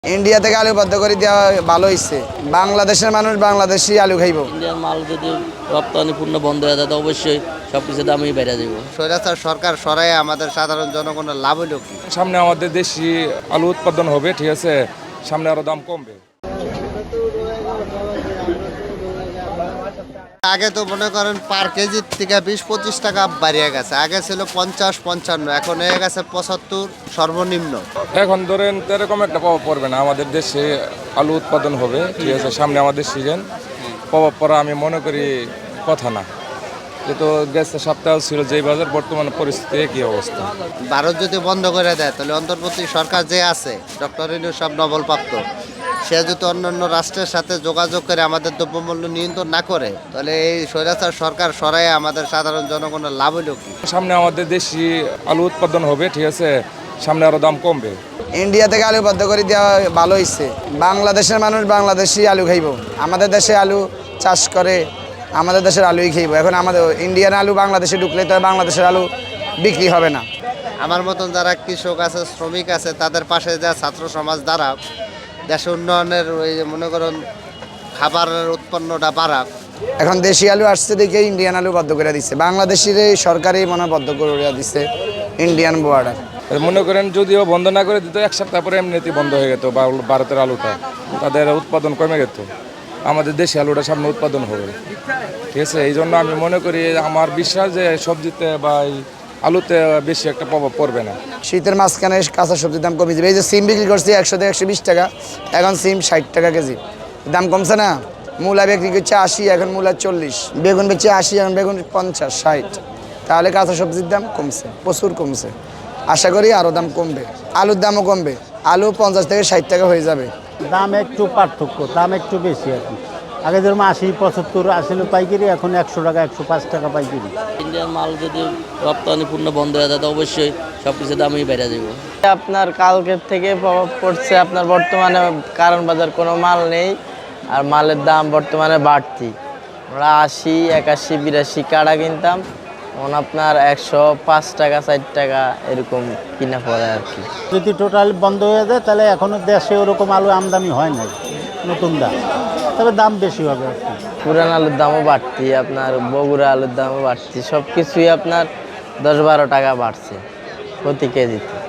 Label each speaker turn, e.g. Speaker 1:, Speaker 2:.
Speaker 1: India থেকে আলু বদ্ধ করে দেওয়া ভালো হয়েছে। বাংলাদেশের মানুষ বাংলাদেশি আলু খাইব।
Speaker 2: ইন্ডিয়ান মাল যদি রপ্তানি পূর্ণ বন্ধ হয়ে যায় তো অবশ্যই সবকিছু দামই বেড়ে যাব।
Speaker 3: স্বৈরাচার সরকার সরাই আমাদের সাধারণ জনগণের লাভ হইল কি?
Speaker 4: সামনে আমাদের দেশি আলু উৎপাদন হবে, ঠিক আছে, সামনে আরো দাম কমবে।
Speaker 3: আগে তো মনে করেন পার কেজির থেকে 20-25 টাকা বাড়িয়ে গেছে। আগে ছিল 50-55, এখন হয়ে গেছে 75 সর্বনিম্ন।
Speaker 4: এখন ধরেন এরকম একটা প্রভাব পড়বে না, আমাদের দেশে আলু উৎপাদন হবে, ঠিক আছে, সামনে আমাদের সিজন প্রভাব পড়া আমি মনে করি কথা না। যেহেতু গেছে সপ্তাহ ছিল যেই বাজার, বর্তমানে পরিস্থিতি কি অবস্থা।
Speaker 3: ভারত যদি বন্ধ করে দেয় তাহলে অন্তর্বর্তী সরকার যে আছে ডক্টর ইউনূস সব নবলপ্রাপ্ত, সে যদি অন্যান্য রাষ্ট্রের সাথে যোগাযোগ করে আমাদের দ্রব্যমূল্য নিয়ন্ত্রণ না করে তাহলে এই স্বৈরাচার সরকার সরাই আমাদের সাধারণ জনগণের লাভ হইল কি?
Speaker 4: সামনে আমাদের দেশি আলু উৎপাদন হবে, ঠিক আছে, সামনে আরো দাম কমবে।
Speaker 1: ইন্ডিয়া থেকে আলু বদ্ধ করে দেওয়া ভালো হয়েছে। বাংলাদেশের মানুষ বাংলাদেশি আলু খাইব। আমাদের দেশে আলু চাষ করে, আমাদের দেশের আলুই খাইব। এখন আমাদের ইন্ডিয়ান আলু বাংলাদেশে ঢুকলে তো বাংলাদেশের আলু বিক্রি হবে না।
Speaker 3: আমার মতন যারা কৃষক আছে, শ্রমিক আছে, তাদের পাশে যা ছাত্র সমাজ দ্বারা দেশ উন্নয়নের ওই যে মনে করেন খাবারের উৎপন্নটা বাড়াক।
Speaker 1: এখন দেশি আলু আসছে দেখে ইন্ডিয়ান আলু বদ্ধ করে দিচ্ছে। বাংলাদেশের সরকারই মনে হয় বদ্ধ করে দিচ্ছে ইন্ডিয়ান বর্ডার।
Speaker 4: মনে করেন যদিও বন্ধ না করে দিত, এক সপ্তাহ পরে এমনিতেই বন্ধ হয়ে যেত ভারতের আলুটা, তাদের উৎপাদন কমে যেত। আমাদের দেশে আলুটা সামনে উৎপাদন হবে, ঠিক আছে। এই জন্য আমি মনে করি, আমার বিশ্বাস যে সবজিতে বা আলুতে বেশি একটা প্রভাব পড়বে না।
Speaker 1: শীতের মাঝখানে কাঁচা সবজির দাম কমে যাবে। এই যে সিম বিক্রি করছি 100 থেকে 120 টাকা, এখন সিম 60 টাকা কেজি। দাম কমছে না। মূলা বিক্রি করছে 80, এখন মূলা 40। বেগুন বেচছে 80, এখন বেগুন 50-60। তাহলে কাঁচা সবজির দাম কমছে, প্রচুর কমছে। আশা করি আরও দাম কমবে, আলুর দামও কমবে। আলু 50 থেকে 60 টাকা হয়ে যাবে।
Speaker 5: দাম একটু পার্থক্য, দাম একটু বেশি আর কি। আগে যেরকম 80-75 আসছিল পাইকারি, এখন 100 টাকা 105 টাকা পাইকারি।
Speaker 2: ইন্ডিয়ান মাল যদি রপ্তানি পূর্ণ বন্ধ হয়ে যায় তো অবশ্যই সবকিছু দামই বেড়ে যাব।
Speaker 6: আপনার কালকের থেকে প্রভাব পড়ছে, আপনার বর্তমানে কারণ বাজার কোনো মাল নেই, আর মালের দাম বর্তমানে বাড়তি। আমরা 80, 81, 82 কাড়া কিনতাম, এখন আপনার 105 টাকা 4 টাকা এরকম কিনা পড়ে আর কি।
Speaker 5: যদি টোটাল বন্ধ হয়ে যায় তাহলে এখনও দেশে ওরকম আলু আমদানি হয় নাই নতুন দাম, তবে দাম বেশি হবে আর কি।
Speaker 6: পুরান আলুর দামও বাড়তি, আপনার বগুড়া আলুর দামও বাড়তি, সব কিছুই আপনার 10-12 টাকা বাড়ছে প্রতি কেজিতে।